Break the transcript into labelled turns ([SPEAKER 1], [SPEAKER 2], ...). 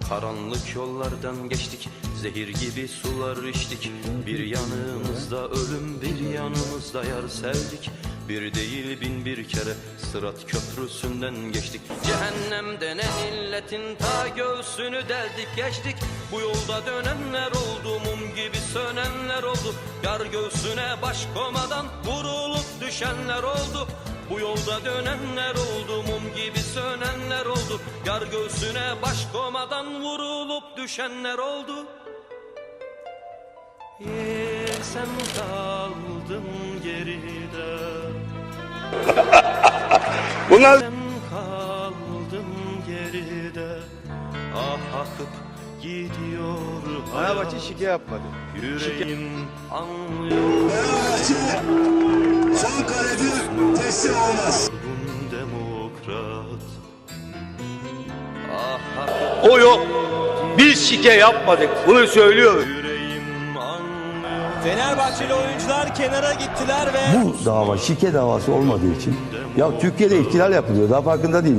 [SPEAKER 1] Karanlık yollardan geçtik, zehir gibi sular içtik. Bir yanımızda ölüm, bir yanımızda yar sevdik. Bir değil bin bir kere Sırat köprüsünden geçtik. Cehennemden en illetin ta göğsünü deldik geçtik. Bu yolda dönenler oldu, mum gibi sönenler oldu. Yar göğsüne baş komadan vurulup düşenler oldu. Bu yolda dönenler oldu, mum gibi sönenler oldu. Yar göğsüne baş komadan vurulup düşenler oldu. Sen kaldın geride.
[SPEAKER 2] Bunlar
[SPEAKER 1] Sen kaldın geride. Ah akıp gidiyor
[SPEAKER 2] Fenerbahçe şike yapmadı.
[SPEAKER 1] yüreğim anlıyor.
[SPEAKER 3] Son kaleci teslim olmaz.
[SPEAKER 1] Demokrat. Ah akıp
[SPEAKER 2] O yok. Biz şike yapmadık. Bunu söylüyorum.
[SPEAKER 1] yüreğim anlıyor.
[SPEAKER 4] Fenerbahçeli oyuncular kenara gittiler ve
[SPEAKER 5] Bu dava şike davası olmadığı için ya Türkiye'de ihtilal yapılıyor, daha farkında değil.